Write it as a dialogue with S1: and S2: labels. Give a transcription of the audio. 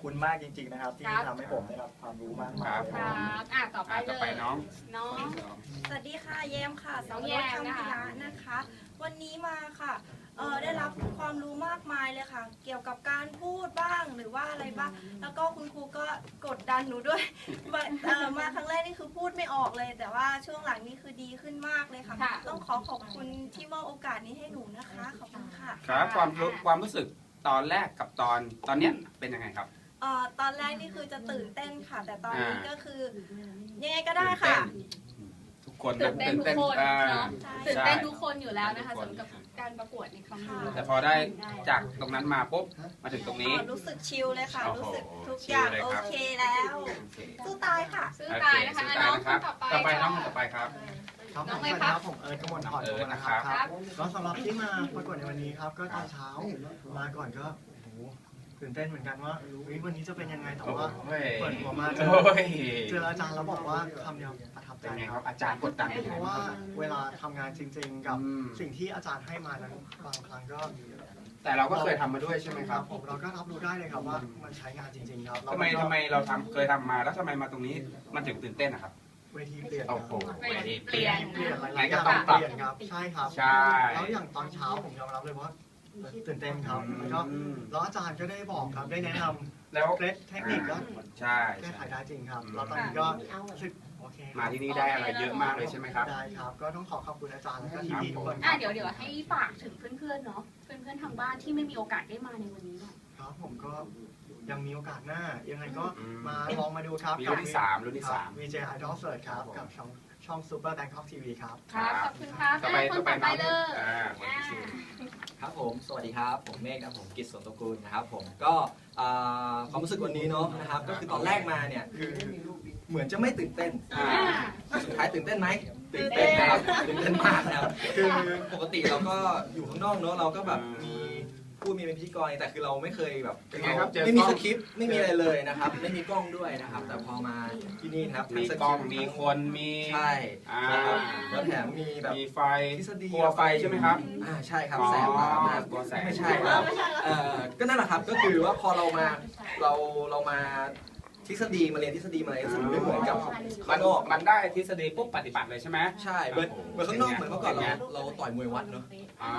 S1: คุณมากจริงๆนะครับที่ทำให้ผมได้รับความรู้มากมาย
S2: ครับต่อไปเลย
S3: น้อง
S4: สวัสดีค่ะแยมค่ะ
S2: น้องแยมนะคะ
S4: นะคะ วันนี้มาค่ะได้รับความรู้มากมายเลยค่ะ เกี่ยวกับการพูดบ้างหรือว่าอะไรบ้างแล้วก็คุณครูก็กดดันหนูด้วย มาครั้งแรกนี่คือพูดไม่ออกเลย แต่ว่าช่วงหลังนี่คือดีขึ้นมากเลยค่ะ ต้องขอบคุณที่มอบโอกาสนี้ให้หนูนะคะขอบคุณค่ะ
S3: ครับความรู้สึกตอนแรกกับตอนเนี้ยเป็นยังไงครับ
S4: ตอนแรกนี่คือจะตื่นเต้นค่ะ แต่ตอนนี้ก็คือยังไงก็ได้ค่ะ
S3: ทุกคน
S2: ตื่นเต้นทุกคนเนาะ
S4: ใช่
S2: ตื่นเต้นทุกคนอยู่แล้วนะคะสำหรับการประกวดในครั้งนี้
S3: แต่พอได้จากตรงนั้นมาปุ๊บมาถึงตรงนี้
S4: รู้สึกชิลเลยค่ะ
S3: โอ้โห
S4: รู้สึกทุกอย่าง
S3: ชิลเลย
S4: โอ
S3: ครับ
S4: เคแล้ว
S3: โอเค
S4: สู้ตายค่ะ
S2: ซื้อตายนะคะน้องคนต่อไป
S3: ต่อไปน้องต่อไปครับ
S1: ครับ
S2: น้
S1: ผ
S2: อง
S1: ม
S2: เลย
S1: สวัส
S2: ค
S1: ดี
S2: รับ
S1: ครับผมกมลพร
S3: นะ
S1: นะ
S3: ค
S1: ค
S3: รั
S1: รับ บก็สำหรับที่มาประกวดในวันนี้ครับก็ตอนเช้ามาก่อนก็โอ้โหตื่นเต้นเหมือนกันว่าวันนี้จะเป็นยังไงแต่ว่าเปิดหัวมาเจออาจารย์แล้วบอกว่าคำเดียวประทับใจ
S3: เป็นไง
S1: ค
S3: ค
S1: รั
S3: รั
S1: บบ
S3: อาจารย์กดดันเป็น
S1: เพ
S3: ไง
S1: ราะ
S3: บ้า
S1: ว่าง
S3: ครับ
S1: เวลาทำงานจริง ๆ กับ
S3: อืม
S1: สิ่งที่อาจารย์ให้มานั้นบางครั้งก็
S3: แต่เราก็เคยทำมาด้วยใช่ไหมครับ
S1: ผมเราก็รับรู้ได้เลยครับว่ามันใช้งานจริง ๆ ครับ
S3: ทำไมเราเคยทำมาแล้วทำไมมาตรงนี้มันถึงตื่นเต้นนะครับ
S1: เวทีเปลี่ยน
S3: โอ้โห
S2: เปลี่ยน
S1: เปลี่ยนหลาย
S3: งั้
S1: ๆ
S3: น
S1: อ
S3: ก็
S1: ย่าง
S3: ต้องปรับ
S1: เปลี่ยนครับใช่ครับ
S3: ใช่
S1: แล้วอย่างตอนเช้าผมยอมรับเลยว่าตื่นเต้นครับแล้วก็แล้วอาจารย์ก็ได้บอกครับได้แนะนำ
S3: แล้ว
S1: เคล็ดเทคนิคก็
S3: ใช่
S1: แก้ไขได้จริงครับแล้วตอนนี้ก็รู้สึกโอเคครับ
S3: มาที่นี่ได้อะไรเยอะมากเลยใช่ไหมครับ
S1: ได้ครับ ก็ต้องขอบคุณอาจารย์และก็พี่ๆทุกคนค
S2: อ่ะ
S1: รับ
S2: เดี๋ยวให้ฝากถึงเพื่อนๆเนาะเพื่อนๆทางบ้านที่ไม่มีโอกาสได้มาในวันนี้หน่อย
S1: ครับผมก็ยังมีโอกาสหน้ายังไงก็มาลองมาดูครับ
S3: มีรุ่นที่สามรุ่นที่สาม
S1: VJ Idol Search ครับกับช่อง Super Bangkok TV ครับ
S2: ครับขอบคุณครับ
S3: ต่อไป
S2: คนต่อไปเลย
S3: คนที่สี่
S5: ครับผมสวัสดีครับผมเมฆครับผมกิตสวนตระกูลนะครับผมก็ความรู้สึกวันนี้เนาะนะครับก็คือตอนแรกมาเนี่ยคือเหมือนจะไม่ตื่นเต้นสุดท้ายตื่นเต้นไหมตื่นเต้นนะครับตื่นเต้นมากนะครับคือปกติเราก็อยู่ข้างนอกเนาะเราก็แบบมีพูดมีเป็นพิธีกรแต่คือเราไม่เคยแบบ
S3: เป็นไงครับเจอ
S5: ไม่มี
S3: กล้
S5: ส
S3: อง
S5: คริปต์ไม่มีอะไรเลยนะครับไม่มีกล้องด้วยนะครับแต่พอมาที่นี่นะครับ
S3: มี
S5: ทั้ส
S3: กล้อง
S5: ริปต์
S3: มีคนมี
S5: ใช่
S3: อ่า
S5: นะครับแล้วแถมมีแบบ
S3: มีไฟ
S5: ทฤษฎี
S3: กลัวไฟใช่ไหมครับ
S5: ใช่ครับ
S3: อ๋อ
S5: แสงมาก
S3: กลัวแสง
S5: ไม่ใช่ครับก็นั่นแหละครับก็คือว่าพอเรามาเรามาทฤษฎีมาเรียนทฤษฎีมาอะไรทฤษฎีไม่เหมือนกับข้างนอก
S3: มันได้ทฤษฎีปุ๊บปฏิบัติเลยใช่ไหม
S5: ใช่เหมือนข้างนอกเหมือนเมื่อก่อนเราต่อยมวยวัดเนาะ